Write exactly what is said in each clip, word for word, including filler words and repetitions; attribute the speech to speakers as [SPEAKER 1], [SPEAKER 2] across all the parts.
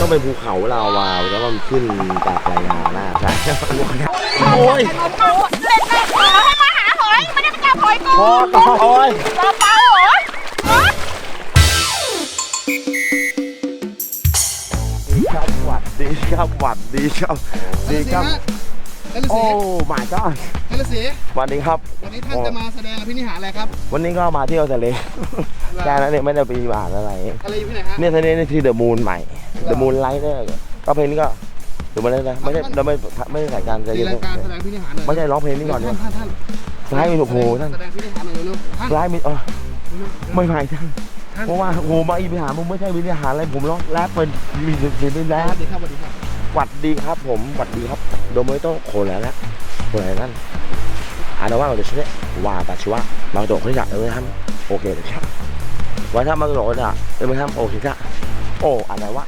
[SPEAKER 1] ต้องเป็นภูเขาลาวาแล้วมันขึ้นจากไรนาหน้าใช่
[SPEAKER 2] โอ้ยเล่นแม่ขอให้มาหาหอยไม่ได้ไปจับหอยกู
[SPEAKER 1] พอต่อหอย
[SPEAKER 2] ต่อเปล่าหอย
[SPEAKER 1] ดีครับหวัดดีครับหวัดดีครับดีครับโอ้มาจ้า
[SPEAKER 3] เฮลสี
[SPEAKER 1] วันนี้ครับ
[SPEAKER 3] วันนี้ท่านจะมาแสดงอภินิหารอะไรครับ
[SPEAKER 1] วันนี้ก็มาเที่ยวทะเลแค่นั้นเองไม่ได้ไปอ่านอะไร
[SPEAKER 3] อะไรอยู่ที่ไหนฮะ
[SPEAKER 1] เนี่ยทะเลนี่คือเดอะมูนใหม่เดอะมูนไลท์เนี่ยก็เพลงนี้ก็ถือมาได้นะไม่ใช่เราไม่ไม่ได้ใส่การ
[SPEAKER 3] แสดงการแสดงพินิหารเลย
[SPEAKER 1] ไม่ใช่ร้องเพลงนี้ก่อนเนี่ย
[SPEAKER 3] ท่านท่าน
[SPEAKER 1] ไลท์มีโอ้โหท่าน
[SPEAKER 3] แสดงพินิหารเลยเร็ว
[SPEAKER 1] ไลท์มีอ๋อไม่ใหม่ท่านเพราะว่าโอ้มาอีพิหารมึงไม่ใช่วินิหารอะไรผมร้องแรปเป็นมีเสียงเป็นแรป
[SPEAKER 3] สวัสดีครับสวัสดีครับ
[SPEAKER 1] หวัดดีครับผมหวัดดีครับโดยไม่ต้องโคแล้วนะโคแล้วนั่นอ่านว่าเราจะใช้ว่าแต่ชัวร์บางตัวเขาอยากเออทำโอเคเลยครับว่าถ้าบางตัวเขาจะเออไม่ทำโอเคครับโอ้อะไรวะ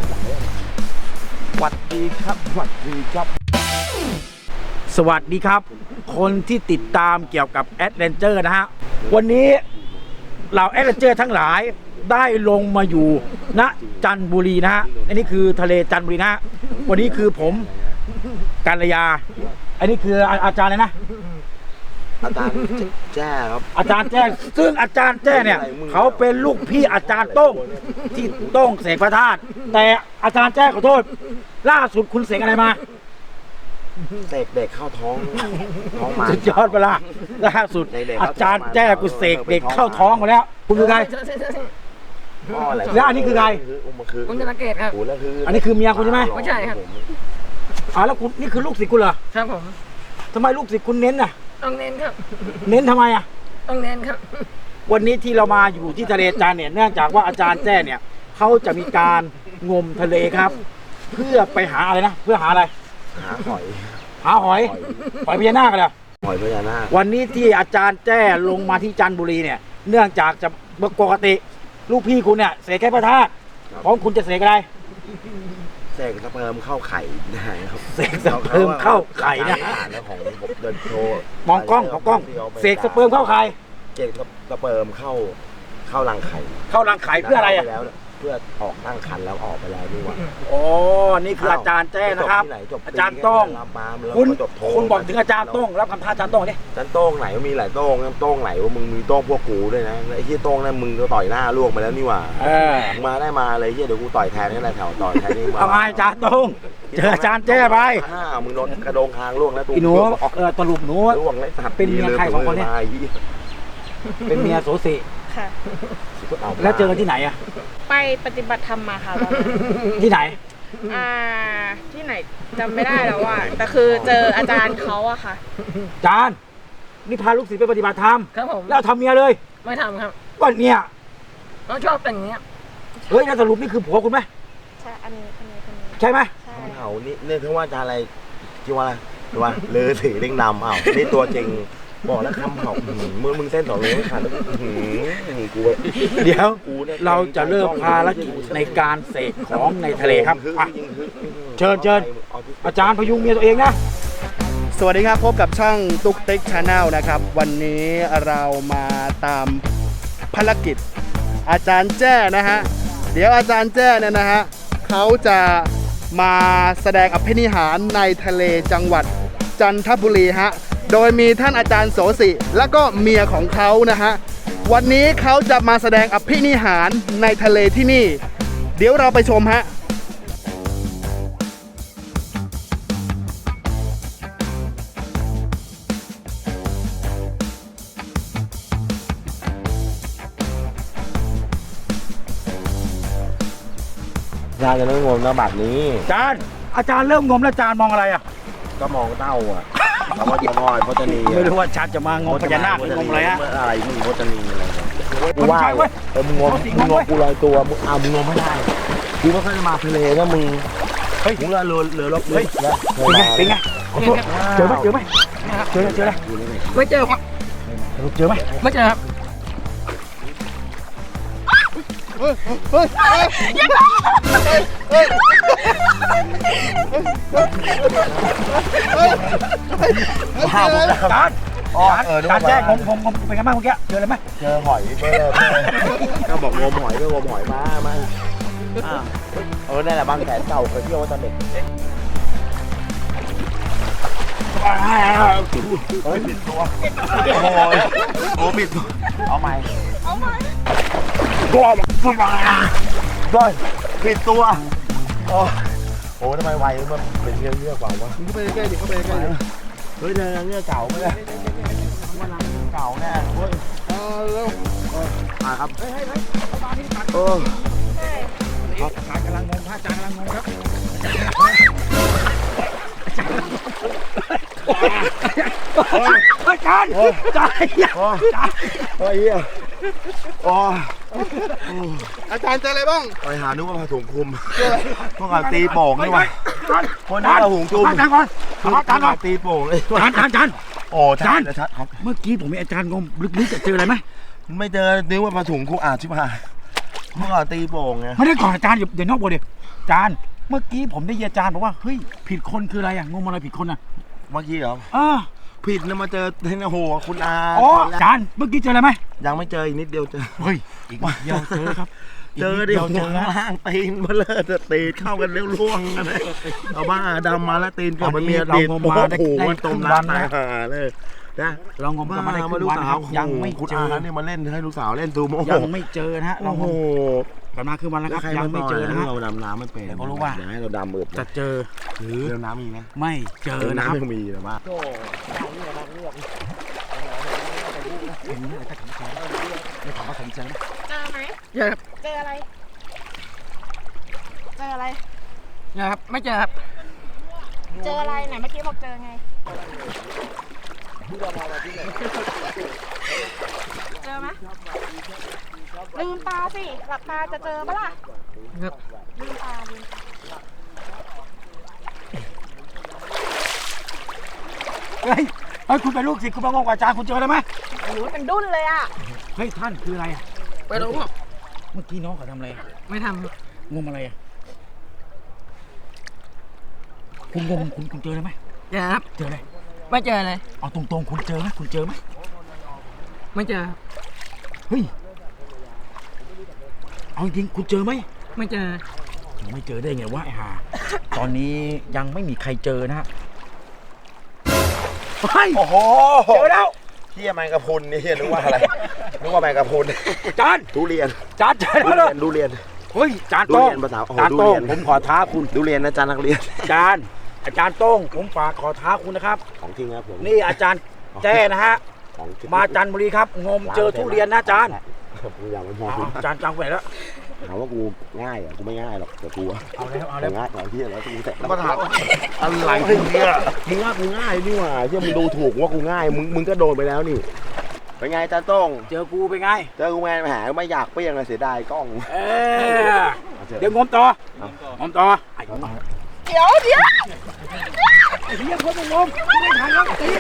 [SPEAKER 1] หวัดดีครับหวัดดีครับ
[SPEAKER 4] สวัสดีครับคนที่ติดตามเกี่ยวกับแอดเวนเจอร์นะฮะวันนี้เราแอดเวนเจอร์ทั้งหลายได้ลงมาอยู่ณจันทบุรีนะฮะอันนี้คือทะเลจันทบุรีนะฮะวันนี้คือผมกัลยาอันนี้คืออาจารย์เลยนะ
[SPEAKER 1] อาจารย์แจ้ครับ
[SPEAKER 4] อาจารย์แจ้ซึ่งอาจารย์แจ้เนี่ยเขาเป็นลูกพี่อาจารย์โต้งที่โต้งเสกพระธาตุแต่อาจารย์แจ้ขอโทษล่าสุดคุณเสกอะไรมา
[SPEAKER 1] เสกเด็กเข้าท้องท้องมา
[SPEAKER 4] สุดยอดเวลาล่าสุดอาจารย์แจ้กูเสกเด็กเข้าท้องมาแล้วคุณคือใครแล้วอันนี้คือใคร
[SPEAKER 2] คุณธนเกตครับ
[SPEAKER 4] อันนี้คือเมียคุณใช่ไหม
[SPEAKER 2] ไม่ใช่ครับ
[SPEAKER 4] อ๋อแล้วคุณนี่คือลูกศิษย์คุณเหรอ
[SPEAKER 2] ครับผม
[SPEAKER 4] ทำไมลูกศิษย์คุณเน้นน่ะ
[SPEAKER 2] ต้องเน้นครับ
[SPEAKER 4] เน้นทำไมอ่ะ
[SPEAKER 2] ต้องเน้นครับ
[SPEAKER 4] วันนี้ที่เรามาอยู่ที่ทะเลจันทร์เนี่ยเนื่องจากว่าอาจารย์แจ้เนี่ยเขาจะมีการงมทะเลครับ เพื่อไปหาอะไรนะเพื่อหาอะไร
[SPEAKER 1] หาหอย
[SPEAKER 4] หาหอยหอยพญานาคกันเหรอ
[SPEAKER 1] หอยพญานาค
[SPEAKER 4] วันนี้ที่อาจารย์แจ้ลงมาที่จันทบุรีเนี่ยเนื่องจากจะปกติลูกพี่คุณเนี่ยเสกแค่พระธาตุของคุณจะเสกอะไร
[SPEAKER 1] เสกสเปิร์มเข้าไข่นะครับ
[SPEAKER 4] เสกสเปิร์มเข้าไข่นะ
[SPEAKER 1] แล้วของผมเดินโชว์
[SPEAKER 4] มองกล้องของกล้องเสกสเปิร์มเข้าไข่
[SPEAKER 1] เสกสเปิร์มเข้าเข้ารังไข่
[SPEAKER 4] เข้ารังไข่เพื่ออะไรอ่ะ
[SPEAKER 1] เพื่อออกตั้งครรภ์แล้วออกไปแล้วนี่ว่า
[SPEAKER 4] อ๋อนี่คืออาจารย์แจ้นะครับอาจารย์โต้งคุณคุณบอกถึงอาจารย์โต้งรับคำท้าอาจารย์โต้งดิ
[SPEAKER 1] อาจารย์โต้งไหนมีหลายโต้งโต้งไหนว่ามึงมีโต้งพวกกูด้วยนะไอ้ที่โต้งนั่นมึงก็ต่อยหน้าลวกไปแล้วนี่ว่ามาได้มาเลยที่เดี๋ยวกูต่อยแทนนี่แหละแถวต่อยแทนนี่มา
[SPEAKER 4] เอาไงอาจารย์โต้งเจออาจารย์แจ้ไป
[SPEAKER 1] อ้าวมึงโดนกระโดงคางลวกแล้วตัว
[SPEAKER 4] หนูเออตลุบหนูเป็นเมียใครของคนนี้เป็นเมียโสสิ
[SPEAKER 2] ค่ะ
[SPEAKER 4] แล้วเจอกันที่ไหนอะ
[SPEAKER 2] ไปปฏิบัติธรรมมาค่ะ
[SPEAKER 4] ที่ไหน
[SPEAKER 2] อ่าที่ไหนจำไม่ได้แล้วว่าแต่คือเจออาจารย์เขาอะค่ะ
[SPEAKER 4] อาจารย์นี่พาลูกศิษย์ไปปฏิบัติธรรม
[SPEAKER 2] ครับผม
[SPEAKER 4] แล้วทำเมียเลย
[SPEAKER 2] ไม่ทำครับ
[SPEAKER 4] ก็เนี่ย
[SPEAKER 2] เขาชอบแต่งเงี้ย
[SPEAKER 4] เฮ้ยแล้วสรุปนี่คือผัวคุณไหม
[SPEAKER 2] ใช่อันนี้คนนี้คนนี้
[SPEAKER 4] ใช่ไหม
[SPEAKER 2] ใช่
[SPEAKER 1] เอานี่เนี่ยถึงว่าอาจารย์อะไรที่ว่าอะไรที่ว่าเลือสีเล่งดำอ้าวนี่ตัวจริงบอกแล้วคำเขามึงมึงเส้นต่อเลยไม่ขาดกู
[SPEAKER 4] เดี๋ยวเราจะเริ่มภารกิจในการเสกของในทะเลครับเชิญเชิญอาจารย์พยุงเมียตัวเองนะ
[SPEAKER 3] สวัสดีครับพบกับช่องตุ๊กติ๊กชาแนลนะครับวันนี้เรามาตามภารกิจอาจารย์แจ้นะฮะเดี๋ยวอาจารย์แจ้เนี่ยนะฮะเขาจะมาแสดงอภินิหารในทะเลจังหวัดจันทบุรีฮะโดยมีท่านอาจารย์โสสิและก็เมียของเขานะฮะวันนี้เขาจะมาแสดงอภินิหารในทะเลที่นี่เดี๋ยวเราไปชมฮะ
[SPEAKER 1] อาจารย์จะเริ่มงมแล้วแบบนี้
[SPEAKER 4] อาจารย์อาจารย์เริ่มงมแล้วอาจารย์มองอะไรอ่ะ
[SPEAKER 1] ก็มองเต้าอ่ะคำว่าจะงอยพจนี
[SPEAKER 4] ไม่รู้ว่าชัดจะมางมพญานาคหรืองมอะไรฮะ
[SPEAKER 1] อะไรมึงพจนีอะไรกูว่าเออมึงงมมึงงมกูลอยตัวมึงเอามึงงมไม่ได้กูไม่ค่อยจะมาทะเลนะมึงเฮ้ยมึงเรือเรือเรือรบเฮ้ย
[SPEAKER 4] เป็นไงเป็นไงเจอไหมเจอไหมเจอเจอ
[SPEAKER 2] ไม่เจอครับ
[SPEAKER 4] เจอไหม
[SPEAKER 2] ไม่เจอครับ
[SPEAKER 3] เฮ้ยเฮ้ยเฮ้ยเฮ้ย
[SPEAKER 4] ข้าวแล้วการอ๋อเออการแจ้งงมงมเป็นไงบ้างเมื่อกี้เจออะไรไหม
[SPEAKER 1] เจอหอยเจอก็บอกงมหอยก็งมหอยมามาอ่าเออนั่นแหละบางแสนเก่าเคยเที่ยวมาตอนเด็กเฮ้ยปิดตัวโอ้โหโอ้ปิดตัวเอาใหม่
[SPEAKER 2] เอาไหม
[SPEAKER 1] ก้อนก้อนปิดตัวโอ้โหทำไมไวมันเป็นเรื่องเรื่องเปล่าวะ
[SPEAKER 3] มึงเข้าไปใกล้ดิเข้าไปใกล้ดิ
[SPEAKER 1] เฮ้ยเรื่องเรื่องเก่าไหมเนี่ยมันเรื่องเก่าแน่เฮ้ย
[SPEAKER 3] เอาเร็ว
[SPEAKER 1] มาครับ
[SPEAKER 4] เฮ้ยเฮ้ยเฮ้ยประมาณนี้ตัด
[SPEAKER 1] เออ
[SPEAKER 2] ใช่
[SPEAKER 4] อาจารย์กำลังงงพระอาจารย์กำลังงงครับอาจารย์อาจารย์
[SPEAKER 1] โอ้โอ้ยเหี้ยโอ้
[SPEAKER 3] อาจารย์เจออะไรบ้าง
[SPEAKER 1] ไปหานึกว่าผ้าถุงคลุมพวกเราตีโป่งนี่วะคนนี้
[SPEAKER 4] อาจารย์
[SPEAKER 1] เราหุงจุ่ม
[SPEAKER 4] อาจารย์ก่อนอาจารย์ก่อน
[SPEAKER 1] ตีโป่งเลย
[SPEAKER 4] อาจารย์อาจารย์
[SPEAKER 1] โอ้ชัดชัดครับ
[SPEAKER 4] เมื่อกี้ผมมีอาจารย์งงลึกๆจะเจออะไรไหม
[SPEAKER 1] ไม่เจอนึกว่าผ้าถุงคลุมอ่าชิบหายเมื่อก่อนตีโป่งไง
[SPEAKER 4] ไม่ได้ก่อนอาจารย์อย่าอย่านอกบทดิอาจารย์เมื่อกี้ผมได้ยินอาจารย์บอกว่าเฮ้ยผิดคนคืออะไรอ่ะงงอะไรผิดคนอ่ะ
[SPEAKER 1] เมื่อกี้เหรอ
[SPEAKER 4] เออ
[SPEAKER 1] ผิดนะมาเจอเทนโหคุณอา
[SPEAKER 4] อ๋ออาจารย์เมื่อกี้เจออะไรไหม
[SPEAKER 1] ยังไม่เจออีกนิดเดียวเจอ
[SPEAKER 4] เฮ้ยอีกนิดเดียวเจอครับ
[SPEAKER 1] เจอเดียวเจอล่างตีนมาเลยจะตีนเข้ากันเร็วล่วงกันเลยเอาบ้าดำมาแล้วตีนกับมันเมียดีดโอ้โหมันตมน้ำตายห่าเลยนะ
[SPEAKER 4] เรางมกันมาได้ค
[SPEAKER 1] มา
[SPEAKER 4] รึ่
[SPEAKER 1] ลู
[SPEAKER 4] ง
[SPEAKER 1] ก
[SPEAKER 4] วัน
[SPEAKER 1] สา
[SPEAKER 4] คว รับยังไม่
[SPEAKER 1] คุณ
[SPEAKER 4] เจ
[SPEAKER 1] อา
[SPEAKER 4] อ
[SPEAKER 1] เนี่ยมาเล่นให้ลูกสาวเล่นซูโม่
[SPEAKER 4] ยังไม่เจอนะฮะเรา
[SPEAKER 1] โอ้
[SPEAKER 4] ง
[SPEAKER 1] โห
[SPEAKER 4] มกันมาครึ่งวันแล้วครับ
[SPEAKER 1] ใคร
[SPEAKER 4] ยัง
[SPEAKER 1] มา
[SPEAKER 4] ไม่
[SPEAKER 1] ต่อ
[SPEAKER 4] เจอนะฮะ
[SPEAKER 1] เราดำน้ำไม่เป็น
[SPEAKER 4] เดี๋ยวก็รู้ว่า
[SPEAKER 1] อย่ให้เราดำมืด
[SPEAKER 4] จะเจอหรือ
[SPEAKER 1] เรือน้ำมีไหม
[SPEAKER 4] ไม่เจอนะครับ
[SPEAKER 1] ยังมีแต่ว่า
[SPEAKER 4] ไม่ถามว่าผมเจอไหม
[SPEAKER 2] เจอไหม
[SPEAKER 5] เจอครับ
[SPEAKER 2] เจออะไร เจออะไร
[SPEAKER 5] เจอครับไม่เจอครับ
[SPEAKER 2] เจออะไรไหนเมื่อกี้บอกเจอไง เจอไหมลืมตาสิ หลับตาจะเจอปะล่ะ
[SPEAKER 5] ครับ
[SPEAKER 2] ลืมตาลืมตา
[SPEAKER 4] เฮ้ยเฮ้ยคุณเป็นลูกศิษย์คุณมางงกว่าอาจารย์คุณเจออะไรไหม
[SPEAKER 2] โอ้โหเป็นดุ้นเลยอ่ะ
[SPEAKER 4] เฮ้ยท่านคืออะไรอ่ะ
[SPEAKER 5] ไปรู้ครับ
[SPEAKER 4] เมื่อกี้น้องเขาทำอะไรอะ
[SPEAKER 5] ไม่ทำครับ
[SPEAKER 4] งมอะไรอ่ะคุณงมคุณคุณเจออะไรไหม
[SPEAKER 5] เจอครับ
[SPEAKER 4] เจออะไร
[SPEAKER 5] ไม่เจอเลย
[SPEAKER 4] เอาตรงๆคุณเจอไหมคุณเจอไหม
[SPEAKER 5] ไม่เจอครับ
[SPEAKER 4] เฮ้ยเอาจริงๆคุณเจอไหม
[SPEAKER 5] ไม่เจอ
[SPEAKER 4] ไม่เจอได้ไงวะไอ้ห่า ตอนนี้ยังไม่มีใครเจอนะฮะเฮ้ย
[SPEAKER 1] โอ้โห
[SPEAKER 4] เจอแล้ว
[SPEAKER 1] เฮียแมงกะพรุนนี่เฮียนึกว่าอะไรนึกว่าแมงกะพรุน
[SPEAKER 4] จาน
[SPEAKER 1] ทุเรียน
[SPEAKER 4] จานเจอ
[SPEAKER 1] ทุ
[SPEAKER 4] แล้ว
[SPEAKER 1] เรียนทุเรียน
[SPEAKER 4] เฮ้ยจาน
[SPEAKER 1] ทุ
[SPEAKER 4] โต้ง
[SPEAKER 1] เรียนภาษาโอ้โห
[SPEAKER 4] จาน
[SPEAKER 1] ทุ
[SPEAKER 4] โต้
[SPEAKER 1] เรี
[SPEAKER 4] ง
[SPEAKER 1] ยน
[SPEAKER 4] ผมขอท้าคุณ
[SPEAKER 1] ทุเรียนนะจานนักเรียน
[SPEAKER 4] จานอาจารย์โต้งผมฝากขอท้าคุณนะครับ
[SPEAKER 1] ของจริงครับผม
[SPEAKER 4] นี่อาจารย์แจ้นะฮะ
[SPEAKER 1] ของจริง
[SPEAKER 4] มาจันทบุรีครับ งมเจอทุเรียนนะอาจารย์
[SPEAKER 1] กูอยากมันพอ
[SPEAKER 4] เอาอาจารย์จังไปไหนแล้ว
[SPEAKER 1] ถามว่ากูง่ายเหรอ่ะกูไม่ง่ายหรอกแต่กูอะ
[SPEAKER 4] เอาแล้วเอาแล้ว
[SPEAKER 1] ง่ายเอาที่แล้วกูแต่แล้วก็ถามอะไรเนี่ยมึงว่ากูง่ายนี่หว่าที่มึงดูถูกว่ากูง่ายมึงมึงก็โดนไปแล้วนี่เป็นไงจานโต้ง
[SPEAKER 4] เจอกูไปนไง
[SPEAKER 1] เจอกูแมนหาไม่อยากเปรี้ยงเลยเสียดายกล้อง
[SPEAKER 4] เออเดี๋ยวงมต่องมต่อไอ้
[SPEAKER 2] เดี๋ยวเดี๋ยว
[SPEAKER 4] ไอ้เหี้ยคนไปงมไม่ทันแล้วตี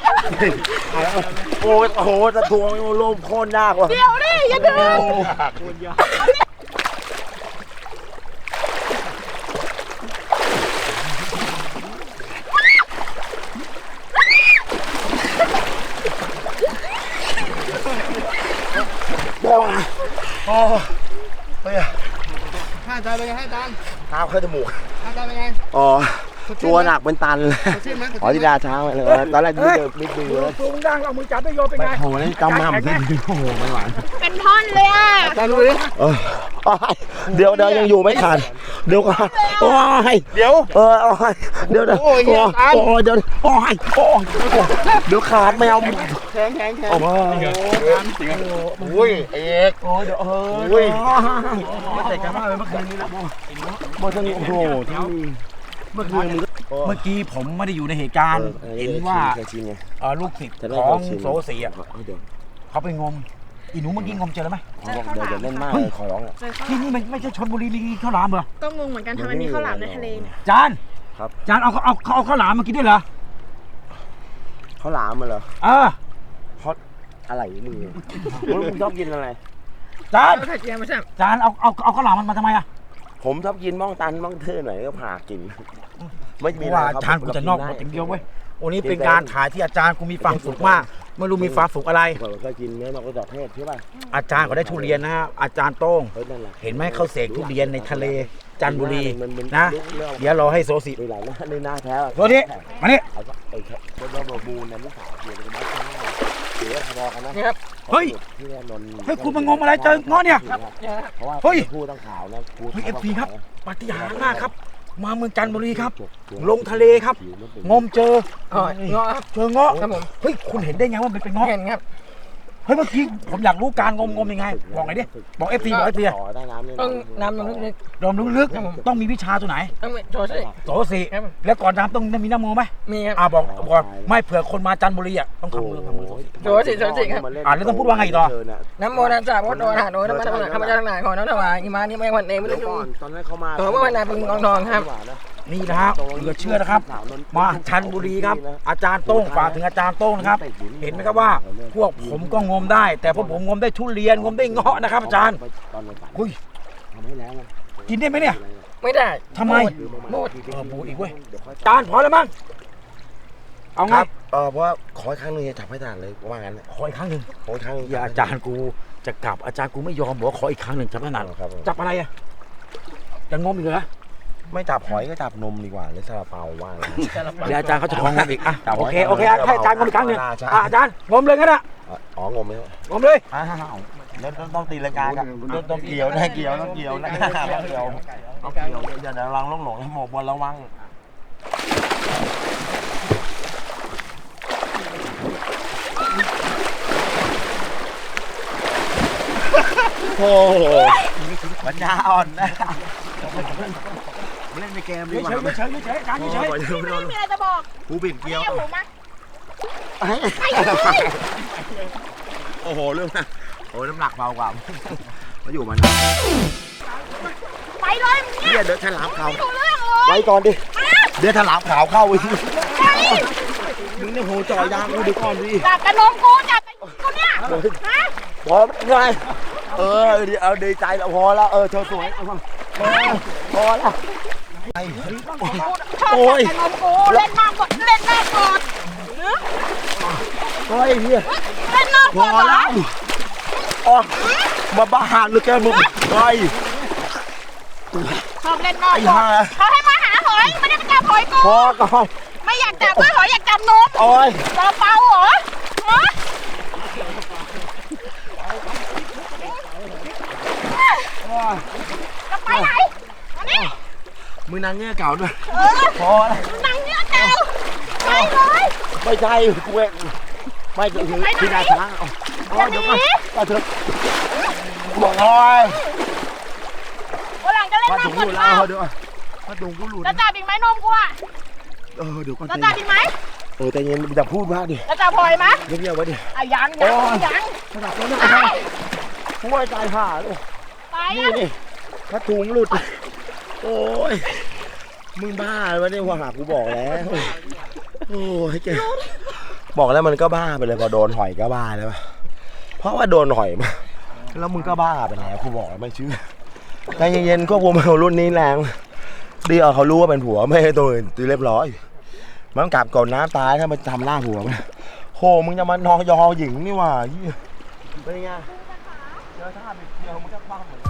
[SPEAKER 1] โอ้โหจะทวงโลมโค่นยากว่ะ
[SPEAKER 2] เดี๋ยวดิอย่าดึง
[SPEAKER 1] เดี๋ยวมาโอ้เฮ้ย
[SPEAKER 3] ให้อาจารย์เป็นไงให้อาจารย์
[SPEAKER 1] น้ำเข้าจมูก
[SPEAKER 3] อาจารย์เป็นไง
[SPEAKER 1] อ๋อตัวหนักเป็นตันเลย
[SPEAKER 3] สดชื่นไหมสด
[SPEAKER 1] อ๋อ
[SPEAKER 3] ชื่น
[SPEAKER 1] ที่
[SPEAKER 3] ไหม
[SPEAKER 1] ดาช้างไปเลยตอนแรกนี่เดินนิดนึงเลย
[SPEAKER 4] ตัวมึงดังเอามือจับไปโยนไป
[SPEAKER 1] ไป
[SPEAKER 4] ไง
[SPEAKER 1] โหนี่กำมั่มสิโอ้โหไม่ไหว
[SPEAKER 2] เป็นท่อนเลยอ่ะ
[SPEAKER 3] อาจารย์ดูดิ
[SPEAKER 1] เออเดี๋ยวเดี๋ยวยังอยู่ไม่ขาดเดี๋ยวก่อนโอ้ย
[SPEAKER 3] เดี๋ยว
[SPEAKER 1] เออโอ้ยเดี๋ยวเดี๋ยว
[SPEAKER 3] โอ้ยเหี้ยตาม
[SPEAKER 1] โอ้ยเดี๋ยวโอ้ยโอ้ยเดี๋ยวขาดไม่เอา
[SPEAKER 3] แข็งแข็งแข็ง
[SPEAKER 1] โอ้โห
[SPEAKER 3] อุ้ยเอก
[SPEAKER 1] โอ้ยเดี๋ยวเออ
[SPEAKER 3] อุ้ย
[SPEAKER 1] ไม่เตะกันมากเลยเมื่อคืนนี้นะโบโบทั้งโอ้โหทั้งเมื่อคืนมึง
[SPEAKER 4] เมื่อกี้ผมไม่ได้อยู่ในเหตุการณ์ เห็นว่า
[SPEAKER 1] เคยชินไง
[SPEAKER 4] เอ่อลูกศิษย์
[SPEAKER 1] จะได้
[SPEAKER 4] ของ
[SPEAKER 1] เคยชิน
[SPEAKER 4] โซเสีย
[SPEAKER 1] เดี๋ยว
[SPEAKER 4] เขาไปงมอีหนูเมื่อกี้งมเจอแล้วไหม
[SPEAKER 1] เขาบอกเดี๋ยวจะเล่นมากเลยขอร้องอ่ะ
[SPEAKER 2] เจอข้าว
[SPEAKER 4] ที่นี่มันไม่ใช่ชนบุรีลีข้าวหลามเหรอ
[SPEAKER 2] ก็งงเหมือนกันทำไมมีข้าวหลามในทะเลเนี่ย
[SPEAKER 4] จาน
[SPEAKER 1] ครับ
[SPEAKER 4] จานเอาเอาเขาเอาข้าวหลามมากินด้วยเหรอ
[SPEAKER 1] เขาหลามมาเหรอ
[SPEAKER 4] เออ
[SPEAKER 1] เขาอะไรมึงมึงชอบกินอะไร
[SPEAKER 4] จาน
[SPEAKER 5] เอาไข่เจียวมาใช่ไหม
[SPEAKER 4] จานเอาเอาเอาข้าวหลามมันมาทำไมอ่ะ
[SPEAKER 1] ผมชอบกินบ้องตันบ้องเทื่อหน่อยก็ผ่ากินไม่มี
[SPEAKER 4] เพ
[SPEAKER 1] อะไร
[SPEAKER 4] ราะว่า
[SPEAKER 1] ครับ
[SPEAKER 4] จานกูจะนอกหมดอย่างเดียวเว้ยวันนี้เป็นการถ่ายที่อาจารย์กูมีความสุขมากไม่รู้มีความสุขอะไร
[SPEAKER 1] ผมเคยกินเนื้อนกกระจอกเทศใช่ป่ะ
[SPEAKER 4] อาจารย์เขาได้ทุเรียนนะฮะอาจารย์โต้ง
[SPEAKER 1] เฮ้ยนั่นแหละ
[SPEAKER 4] เห็นไหมเขาเสกทุเรียนในทะเลจันทบุรี
[SPEAKER 1] มันมัน
[SPEAKER 4] นะ
[SPEAKER 1] เรื่อง
[SPEAKER 4] เดี๋ยวรอให้โซสิ
[SPEAKER 1] ดูหลายหน้าในหน้าแท้อะ
[SPEAKER 4] โซสิมานี่
[SPEAKER 1] เอาไอ้แค่เป็นระบบบูนนะลูกสาวเดี๋ยวจะมาข้างหน้าเดี๋ยวพอกันนะ
[SPEAKER 5] นี่ครับ
[SPEAKER 4] เฮ้ย
[SPEAKER 1] ที่แน่นอน
[SPEAKER 4] เฮ้ยคุณมางมอะไรเจอเงาะเนี่ย
[SPEAKER 5] เนี่ยครับ
[SPEAKER 1] เพราะว่า
[SPEAKER 4] เฮ้ย
[SPEAKER 1] พูดต้องขาวนะพูด
[SPEAKER 4] เฮ้ยเอฟซีครับปาฏิหาริย์มากครับ มาเมืองจันทบุรีครับ
[SPEAKER 1] ตัว
[SPEAKER 4] ลงทะเลครับ
[SPEAKER 1] ผิวมันเป็น
[SPEAKER 4] งมเจอ
[SPEAKER 5] อ๋อเงาะครับ
[SPEAKER 4] เจอเงาะ
[SPEAKER 5] ครับผม
[SPEAKER 4] เฮ้ยคุณเห็นได้ไงว่ามันเป็นเงาะ
[SPEAKER 5] เห็นครับ
[SPEAKER 4] เฮ้ยเมื่อกี้ผมอยากรู้การงมงมยังไงบอกหน่อยดิบอกเอฟซีบอกเอฟซี
[SPEAKER 1] ต่อได้น้ำเนี่ย
[SPEAKER 5] ต้องน้ำมันลึก
[SPEAKER 4] ยอมลึกๆต้องมีวิชาตัวไหน
[SPEAKER 5] ๆต้องมีโชว์สิ
[SPEAKER 4] โสสิ
[SPEAKER 5] ครับผม
[SPEAKER 4] แล้วก่อนน้ำต้องมีน้ำโมไหม
[SPEAKER 5] มีครับ
[SPEAKER 4] อ่าบอกก่อนไม่เผื่อคนมาจันทบุรีอ่ะต้องทำมือทำมือโสสิ
[SPEAKER 5] โจสิโจสิครับ
[SPEAKER 4] อ่ะแล้วต้องพูดว่าไงต่อ
[SPEAKER 5] น้ำโมนัสสะพุทโธนะโนธรรมะธรรมะข้าพเจ้าทั้งหลายขอน้อมถวายอิมานิไม่วันเองไม่
[SPEAKER 1] เดี๋
[SPEAKER 5] ต้
[SPEAKER 1] ย
[SPEAKER 5] อ
[SPEAKER 1] ว
[SPEAKER 5] ง
[SPEAKER 1] ก่อนตอนนั้นเขามา
[SPEAKER 5] ขอพระวนาพึงกองทองครับ
[SPEAKER 4] นี่นะฮะเหลือเชื่อนะครับ มาชันบุรีครับ อาจารย์โต้งฝากถึงอาจารย์โต้งนะครับ เห็นไหมครับว่า พวกผมก็งมได้ แต่พวกผมงมได้ทุเรียนงมได้เงาะนะครับ อาจารย์
[SPEAKER 1] ตอนวันฝัน
[SPEAKER 4] อุ้ย
[SPEAKER 1] ทำให้แล้วไง
[SPEAKER 4] กินได้ไหมเนี่ย
[SPEAKER 5] ไม่ได้
[SPEAKER 4] ทำไม
[SPEAKER 5] หมด
[SPEAKER 4] เออบูอีกเว้ยอาจารย์พอแล้วมั้งเอา
[SPEAKER 1] ค
[SPEAKER 4] ไง
[SPEAKER 1] รับเออเพราะว่าขออีกครั้งหนึงจะจับให้ทานเลยว่างั้น
[SPEAKER 4] ขออีกครั้งหนึ่ง
[SPEAKER 1] ขออีกครั้งหนึง
[SPEAKER 4] อย่าอาจารย์กูจะกลับอาจารย์กูไม่ยอมบอกว่าขออีกครั้งหนึ่งจับขนาด
[SPEAKER 1] ครับผม
[SPEAKER 4] จับอะไรอ่ะจะงมอีกเหรอ
[SPEAKER 1] ไม่จับหอยก็จับนมดีกว่าหรือซาลาเปาว่างั้น
[SPEAKER 4] เดี๋ยวอาจารย์เขาจะของงมอีกอ่ะ
[SPEAKER 1] จับไว้
[SPEAKER 4] โอเคโอเคให้อาจารย์งมอีกครั้งหนึ่ง
[SPEAKER 1] ใช่
[SPEAKER 4] อ่ะอาจารย์งมเลยงั้นอ่ะ
[SPEAKER 1] อ๋องมไหม
[SPEAKER 4] งมเลย
[SPEAKER 1] อ้าวแล้วต้องตีลังกากันต้องเกี่ยวนะเกี่ยวต้องเกี่ยวนะต้องเกี่ยวต้องเกี่ยวอย่าระวังลงหลงหมกบอลระวังโอ้โหปัญญาอ่อนนะเล่นในเกมดีกว่า
[SPEAKER 4] เฉยเฉยเฉยอาจารย์เฉย
[SPEAKER 2] ไม่มีอะไรจะบอก
[SPEAKER 1] กูบิดเกลียว
[SPEAKER 2] เกี่ยวหูมา
[SPEAKER 1] โอ้โหเรื่องนะโอ้น้ำหนักเบากว่ามาอยู่มัน
[SPEAKER 2] ไปเลยมึง
[SPEAKER 1] เฮี
[SPEAKER 2] เนี่ย
[SPEAKER 1] ยเดือดฉลามขาว
[SPEAKER 2] ไม่รู้เรื่องเลย
[SPEAKER 1] ไว้ก่อนดิ
[SPEAKER 2] มา
[SPEAKER 1] เดือดฉลามขาวเข้าไปที
[SPEAKER 2] ไป
[SPEAKER 1] มึงเนี่ยโหจ่อยยางกูดีก่อนดิ
[SPEAKER 2] จับกระนมกูจับกระนมกูเนี่ยฮะ
[SPEAKER 1] พอไงเออดีเอาดีใจแล้วพอแล้วเออเธอสวยเอามาพอพอแล้วไอ้
[SPEAKER 2] ชอบจับกระนมกูเล่นมากกดเล่นมากกด
[SPEAKER 1] โอ้ยเฮีย
[SPEAKER 2] เล่นมาก
[SPEAKER 1] พ
[SPEAKER 2] ก
[SPEAKER 1] อ
[SPEAKER 2] ดเหร
[SPEAKER 1] แล้
[SPEAKER 2] อ
[SPEAKER 1] วอ๋อมาบ้าหรือแกมึงไอ้
[SPEAKER 2] ชอบเล่นมาก
[SPEAKER 1] ไอ้
[SPEAKER 2] กด
[SPEAKER 1] ห่า
[SPEAKER 2] เขาให้มาหาหอยไม่ได้มาจับหอยกู
[SPEAKER 1] พอก่อน
[SPEAKER 2] ไม่อยากจับด้วยหอยอยากจับนม
[SPEAKER 1] โอ้ย
[SPEAKER 2] ซาลาเปาเหรอฮะจะไปไหนมานี่
[SPEAKER 1] มึงนางเงี้ยเก่าด้วย
[SPEAKER 2] เออ
[SPEAKER 1] พอแล้ว
[SPEAKER 2] นั่งเนี่ยเก่าไปเลย
[SPEAKER 1] ไม่ใช่กูเองไม่คือคือที่นาช้างเอาเอาเดี๋ยวก่อนก็เถอะบอกโอ้ย
[SPEAKER 2] วันหลังจะเล่น
[SPEAKER 1] มา
[SPEAKER 2] น้ำ
[SPEAKER 1] ถุง
[SPEAKER 2] ก
[SPEAKER 1] ห
[SPEAKER 2] ด
[SPEAKER 1] ลุด
[SPEAKER 2] เปล่า
[SPEAKER 1] แล้วเดี๋ยวมาถุงกูหลุด
[SPEAKER 2] จะจับอีกไหมนมกูอ่ะ
[SPEAKER 1] เออเดี๋ยวก่อน
[SPEAKER 2] จะจับอีกไหม
[SPEAKER 1] เออแต่ยังจะพูดมากดิ
[SPEAKER 2] จะจับหอยไหม
[SPEAKER 1] เงียบๆไว้ดิ
[SPEAKER 2] อ่ะยังยังยัง
[SPEAKER 1] ขนาดนั้นนะช่วยตายห่าเลย
[SPEAKER 2] ไป
[SPEAKER 1] นี่
[SPEAKER 2] อ่ะ
[SPEAKER 1] นี่ถ้าถุงหลุดโอ้ยมึงบ้าเลยวะเนี่ยว่าหากูบอกแล้วโอ้ยแกบอกแล้วมันก็บ้าไปเลยพอโดนหอยก็บ้าแล้วเพราะว่าโดนหอยมาแล้วมึงก็บ้าไปแล้วกูบอกแล้วไม่เชื่อใจเย็นๆก็ผมเอารุ่นนี้แรงดีเอาเขารู้ว่าเป็นผัวไม่ให้ตัวอื่นตีเรียบร้อยมันกลับก่อนน้ำตายถ้ามันทำหน้าผัวมันโหมึงจะมานอยอหญิงนี่หว่าเป็นไงเจอท่าบิดเดียวมึงก็บ้าเหมือน